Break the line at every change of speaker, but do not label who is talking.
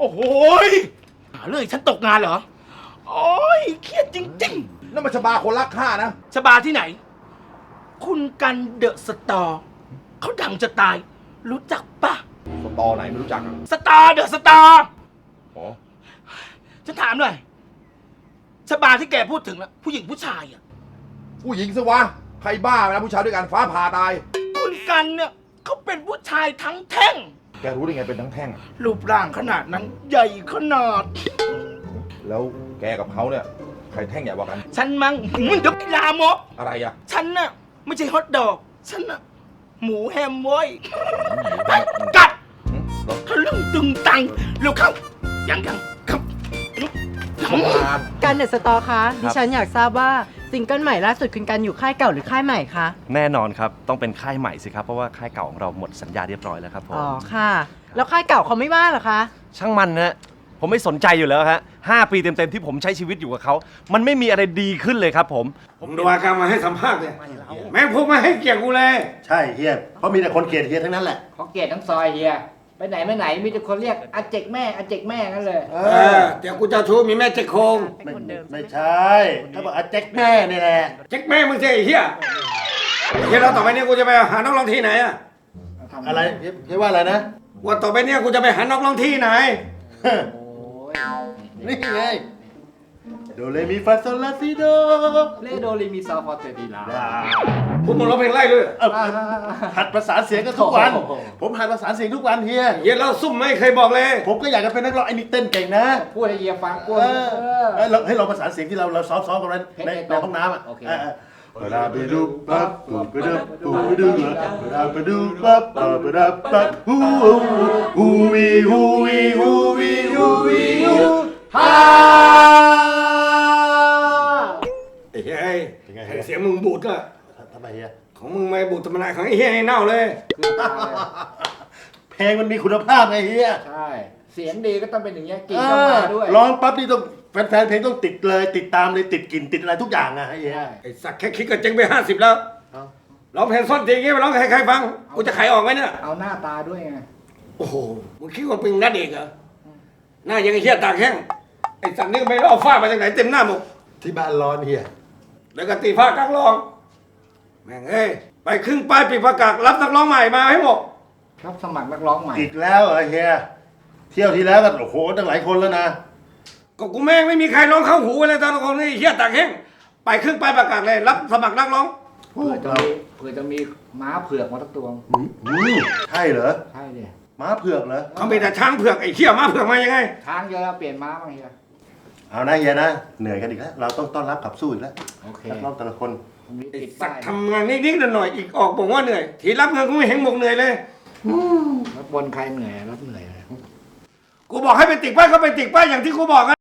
โอ้โหหาเรื่องฉันตกงานเหรอโอ้ยเครียดจริงๆ
นั่นมันชบาคนรักข้านะ
ชบาที่ไหน คุณกันเดอะสตอร์เขาดังจะตาย รู้จักปะ
สตอไหนไม่รู้จักอ่ะ
สตาร์เดอะสตาร์
อ๋อ
ฉันถามหน่อยชบาที่แกพูดถึงนะผู้หญิงผู้ชายอ่ะ
ผู้หญิงสิวะ ใครบ้าไปนะผู้ชายด้วยกันฟ้าผ่าตาย
คุณกันเนี่ยเขาเป็นผู้ชายทั้งแท่ง
แกรู้ได้ไงเป็นทั้งแท่งอะ
รูปร่างขนาดนั้นใหญ่ขนาด
แล้วแกกับเขาเนี่ย ใครแท่งใหญ่กว่ากัน
ฉันมั้งมันเดี๋ยวลามก
อะไรอ่ะ
ฉันน่ะไม่ใช่ฮอทดอก ฉันน่ะหมูแฮมเว้ยไปกัด
หืมเหรอ
ทะลึ่งตึงตังเร็วเข้ายังครับ
ชบา
กันเดอะสตอร์คะดิฉันอยากทราบว่าซิงเกิลใหม่ล่าสุดคุณกันอยู่ค่ายเก่าหรือค่ายใหม่คะ
แน่นอนครับ ต้องเป็นค่ายใหม่สิครับ เพราะว่าค่ายเก่าของเราหมดสัญญาเรียบร้อยแล้วครับผม
อ๋อค่ะ แล้วค่ายเก่าเขาไม่ว่าเหรอคะ
ช่างมันนะผมไม่สนใจอยู่แล้วฮะ5 ปีเต็มๆที่ผมใช้ชีวิตอยู่กับเขา มันไม่มีอะไรดีขึ้นเลยครับผม
ผมดูอาการมาให้สัมภาษณ์เลยแม่งพวกมาให้เกียรติกูเลย
ใช่เฮียเพราะมีแต่คนเกลียดเฮียทั้งนั้นแหละ
เขาเกลียดทั้งซอยเฮียไปไหนไม่ไหนมีแต่คนเรียกอาเจกแม่อาเจกแม่กันเลย
เดี๋ยวกูจะชูมีแม่เจ๊กโคง
ไม่ใช่เขาบอกอาแจ็คแม่นี่แหละ
เจ๊กแม่มึงสิไอ้เหี้ยเฮียเราต่อไปเนี้กูจะไปหานักร้องที่ไหนอะ
อะไรเฮียว่าอะไรนะ
วันต่อไปเนี้กูจะไปหานักร้องที่ไหน
นี่ไงโดเรมีฟาโซลาซิโด
เลโดรีมีซาฟอร์เตดีลา
พวกมึงร้องเพลงไล่ด้วย
หัดประสานเสียงกันทุกวัน ผมหัดประสานเสียงทุกวันเฮีย
เฮียเราซุ่มไม่เคยบอกเลย
ผมก็อยากจะเป็นนักร้องไอ้นี่เต้นเก่งนะ
พูดให้เฮียฟังกู
เราให้เราประสานเสียงที่เราซ้อมกันในห้องน้ำอ่ะเวลาไปดูปั๊บปูไปดูปูไปดูเวลาไปดูปั๊บไปดูปั๊บฮูฮูวีฮูวีฮูวีฮูวีฮูฮ่า
ไอ้เฮ้ยเสียงมึงบูดอะ
ทำไมเฮีย
ของมึงไม่บูดธรรมดาของไอ้เฮียไอ้เน่าเลย
เพลงมันมีคุณภาพไงเฮีย
ใช่เสียงดีก็ต้องเป็นอย่างเงี้ยกลิ่นต้องมาด้วย
ร้องปั๊บนี่ต้องแฟนเพลงต้องติดเลยติดตามเลยติดกลิ่นติดอะไรทุกอย่างอะเฮีย
ไอ้สักแค่คิดก็เจ๊งไป50แล้วร้องเพลงซ่อนจริงงี้ไปร้องให้ใครฟังกูจะขายออกไหมเนี่ย
เอาหน้าตาด้วยไง
โอ้โห มึงคิดว่าเป็นนัดเอกเหรอ หน้ายังไอ้เหี้ยตากแห้ง ไอ้สัตว์นี่ก็ไม่รู้เอาฝ้ามาจากไหนเต็มหน้าหมด
ที่บ้านร้อนเฮีย
แล้วก็ตีผ้ากลางรอง แม่งเอ้ย ไปครึ่งป้ายปิดประกาศรับนักร้องใหม่มาให้หมด
รับสมัครนักร้องใหม่
อีกแล้วเหรอเฮียเที่ยวที่แล้วก็โอ้โหตั้งหลายคนแล้วนะ
ก็กูแม่งไม่มีใครร้องเข้าหูเลยตอนคนนี้ไอ้เหี้ยตากแห้ง ไปครึ่งป้ายประกาศเลย รับสมัครนักร้อง
เผื่อจะมีม้าเผือกมาสักตัว
ใช่เหรอ
ใช่ดิ
ม้าเผือกเหรอ
เขามีแต่ช้างเผือกไอ้เหี้ยม้าเผือกมายังไง
ช้างเยอะแล้วเปลี่ยนม้าบ้างเฮีย
เอานะเฮียนะเหนื่อยกันอีกแล้วเราต้องต้อนรับขับสู้อีกแล้ว
โอเค
นักร้องแต่ละคน
ผมมี
ไอ้
ติด
สั
ป้าก ย
ทำงานนิดๆหน่อยๆอีกออกบอกว่าเหนื่อย ทีรับเงินกูไม่เห็นบอกเหนื่อยเลย
รับบนใครเหนื่อยรับเหนื่อยเลย
กูบอกให้ไปติดป้ายก็ไปติดป้ายอย่างที่กูบอกอะ